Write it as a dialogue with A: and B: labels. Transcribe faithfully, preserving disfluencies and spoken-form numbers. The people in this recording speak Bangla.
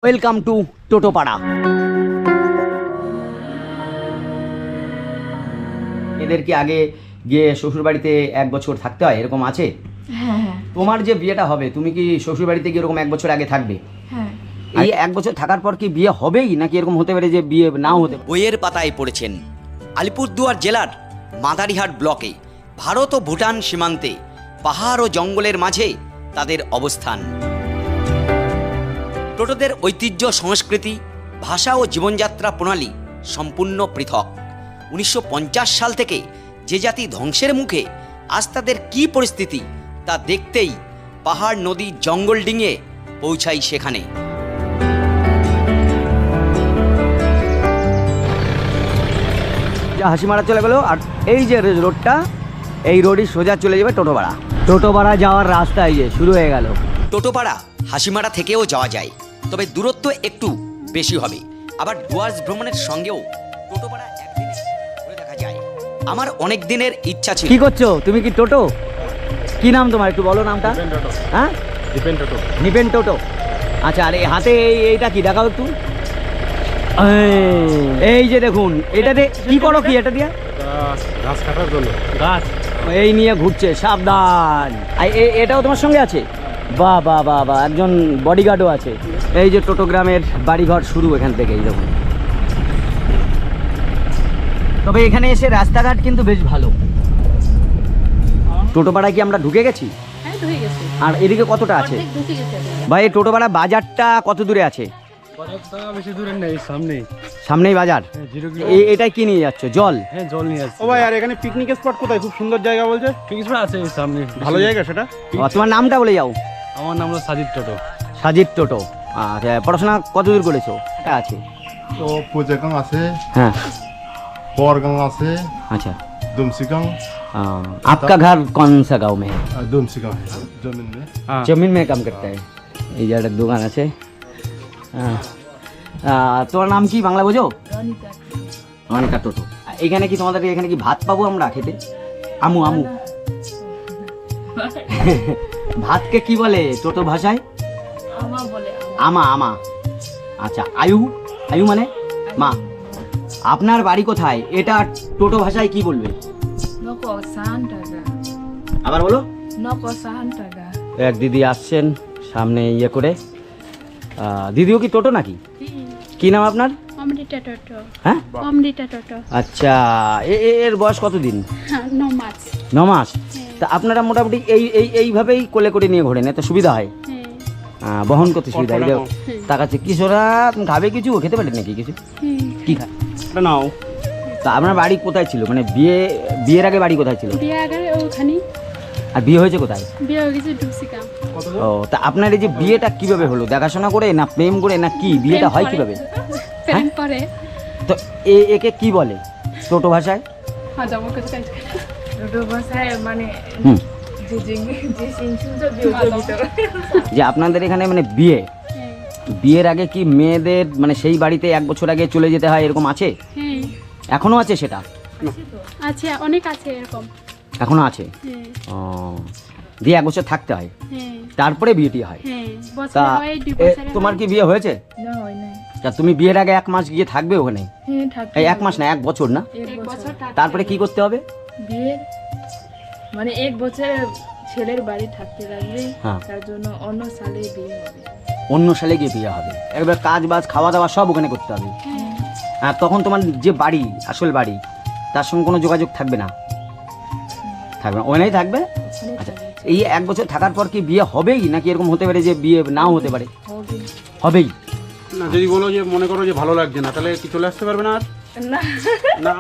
A: Welcome to Totopara. এদের কি আগে গিয়ে শ্বশুরবাড়িতে এক বছর থাকতে হয় এরকম আছে?
B: হ্যাঁ হ্যাঁ।
A: তোমার যে বিয়েটা হবে তুমি কি শ্বশুরবাড়িতে গিয়ে এরকম এক বছর আগে থাকবে?
B: হ্যাঁ।
A: এই এক বছর থাকার পর কি বিয়ে হবেই নাকি এরকম হতে পারে যে বিয়ে নাও হতে পারে? বইয়ের পাতায় পড়েছেন আলিপুরদুয়ার জেলার মাদারিহাট ব্লকে ভারত ও ভুটান সীমান্তে পাহাড় ও জঙ্গলের মাঝে তাদের অবস্থান। টোটোদের ঐতিহ্য, সংস্কৃতি, ভাষা ও জীবনযাত্রা প্রণালী সম্পূর্ণ পৃথক। উনিশশো পঞ্চাশ সাল থেকে যে জাতি ধ্বংসের মুখে, আজ তাদের কী পরিস্থিতি তা দেখতেই পাহাড়, নদী, জঙ্গল ডিঙিয়ে পৌঁছাই সেখানে। যা হাসি মারা চলে গেল, আর এই যে রোডটা, এই রোডই সোজা চলে যাবে টোটোপাড়া। টোটোপাড়া যাওয়ার রাস্তা এই যে শুরু হয়ে গেল। টোটোপাড়া হাসিমারা থেকেও যাওয়া যায়, তবে দূরত্ব একটু বেশি হবে। আবার ডুয়ার্স ভ্রমণের সঙ্গেও টোটোপাড়া একদিনে ঘুরে দেখা যায়। আমার অনেক দিনের ইচ্ছা ছিল। কি করছো তুমি? কি টোটো? কি নাম তোমার, একটু বলো নামটা। হ্যাঁ,
C: নিপেন টোটো।
A: নিপেন টোটো। আচ্ছা, আর এই হাতে এই এইটা কি দেখাও একটু। এই যে দেখুন, এটাতে কি করো? কি এটা দিয়ে?
C: গাছ কাটার জন্য। গাছ
A: এই নিয়ে ঘুরছে, সাবধান। আর এ- এটাও তোমার সঙ্গে আছে? বাহ বাহ বাহ বাহ, একজন বডিগার্ডও আছে। এই যে টোটোগ্রামের বাড়িঘর শুরু এখান থেকে, এই দেখুন। তবে এখানে এসে রাস্তাঘাট কিন্তু বেশ ভালো। টোটোপাড়ায় কি আমরা ঢুকে গেছি?
B: হ্যাঁ, ঢুকে গেছে।
A: আর এদিকে কতটা আছে?
B: অর্ধেক ঢুকে গেছে।
A: ভাই, এই টোটোপাড়া বাজারটা কত দূরে আছে?
C: বেশি দূরে নেই, সামনেই।
A: সামনেই বাজার।
C: Zero kilo.
A: এ- এটাই কি নিয়ে যাচ্ছ? জল?
C: হ্যাঁ, জল নিয়ে আসছি।
D: ও ভাই, আর এখানে পিকনিক স্পট কোথায়? খুব সুন্দর জায়গা বলছে।
C: পিকনিক স্পট আছে এই সামনে,
D: ভালো জায়গা সেটা।
A: ও, তোমার নামটা বলে যাও।
C: আমার নাম হলো সাজিদ টোটো।
A: সাজিদ টোটো। আচ্ছা, পড়াশোনা কত দূর করেছো? এটা আছে।
E: তো পুজেগাং আছে,
A: হ্যাঁ,
E: বরগাং আছে,
A: अच्छा।
E: दुमसीगांग,
A: आ, आपका घर कौन सा गांव में है?
E: दुमसीगांग है जमीन में।
C: হ্যাঁ,
A: जमीन में काम करता है। এই জায়গাটার দোকান আছে। হ্যাঁ। আহ, তোমার নাম কি বাংলা বোঝো?
B: রনিতা।
A: অনেকটা টোটো। এখানে কি তোমাদের এখানে কি ভাত পাবো আমরা খেতে? আমু আমু ভাতকে কি বলে টোটো ভাষায়?
B: আমা বলে।
A: আমা আমা। আচ্ছা, আয়ু আয়ু মানে মা। আপনার বাড়ি কোথায়? এটা টোটো ভাষায় কি বলবে?
B: নকো সাহান টাকা।
A: আবার বলো।
B: নকো সাহান টাকা।
A: এক দিদি আসছেন সামনে ইয়ে করে। আহ, দিদিও কি টোটো নাকি? কি নাম আপনার?
F: অমৃতা টোটো।
A: হ্যাঁ,
F: অমৃতা টোটো।
A: আচ্ছা। এ- এ- এর বয়স কতদিন?
F: ন মাস।
A: ন মাস। তা আপনারা মোটামুটি এই এই এইভাবেই কোলে করে নিয়ে ঘোরেন, এত সুবিধা হয়?
F: হ্যাঁ
A: আহ, বহন করতে সুবিধা হয়।
D: কতটা
A: এই তাকাচ্ছে কিশোরা, তুমি খাবে কিছু? খেতে পারেন নাকি কিছু?
F: হ্যাঁ।
A: কি খায়?
D: এটা নাও।
A: তা আপনার বাড়ি কোথায় ছিল? মানে বিয়ে বিয়ের আগে বাড়ি কোথায় ছিল?
F: বিয়ে আগে ওখানে
A: আর বিয়ে হয়েছে কোথায়?
F: বিয়ে হয়ে গেছে ডুবসিকা।
A: ও, তা আপনার এই যে বিয়েটা কিভাবে হলো? দেখাশোনা করে না প্রেম করে না কি? বিয়েটা হয় কিভাবে?
F: প্রেম করে।
A: তো এ একে কি বলে টোটো ভাষায়?
F: হ্যাঁ, যাবো কিছু কাজ করে।
B: টোটো ভাষায় মানে
A: হুম,
B: যে যে যে সিনসুজো বিয়োজিত।
A: যে আপনাদের এখানে মানে বিয়ে
F: হ্যাঁ
A: বিয়ের আগে কি মেয়েদের মানে সেই বাড়িতে এক বছর আগে চলে যেতে হয়, এরকম আছে?
F: হ্যাঁ
A: এখনো আছে সেটা?
F: আছে, অনেক আছে এরকম।
A: এখনো আছে।
F: হ্যাঁ
A: ও, দিয়ে এক বছর থাকতে হয়,
F: হ্যাঁ
A: তারপরে বিয়েটি হয়।
F: হ্যাঁ, বছর
A: তা
F: হয় দুই
A: এ,
F: বছরে।
A: তোমার কি বিয়ে হয়েছে?
B: না হয় না।
A: তা তুমি বিয়ের আগে এক মাস গিয়ে থাকবে ওখানে?
B: হ্যাঁ, থাকতে
A: এই এক মাস না, এক বছর না?
B: এক
F: এক
B: বছর
F: বছর থাকতে
A: তারপরে কি করতে হবে?
B: বিয়ের মানে এক বছর ছেলের বাড়ি থাকতে লাগবে।
A: হ্যাঁ।
B: তার জন্য অন্য সালে বিয়ে হবে।
A: অন্য সালে গিয়ে বিয়ে হবে। একবার কাজ বাজ খাওয়া দাওয়া সব ওখানে করতে হবে।
F: হ্যাঁ।
A: আর তখন তোমার যে বাড়ি, আসল বাড়ি, তার সঙ্গে কোনো যোগাযোগ থাকবে না? থাকবে না, ওখানেই থাকবে।
B: ওখানে
A: আচ্ছা,
B: থাকবে।
A: এই এক বছর থাকার পর কি বিয়ে হবেই নাকি এরকম হতে পারে যে বিয়ে নাও হতে পারে?
B: হবে
A: হবেই।
D: না, যদি বলো যে মনে করো যে ভালো লাগছে না, তাহলে কি চলে আসতে পারবে না আর?
B: না।
D: না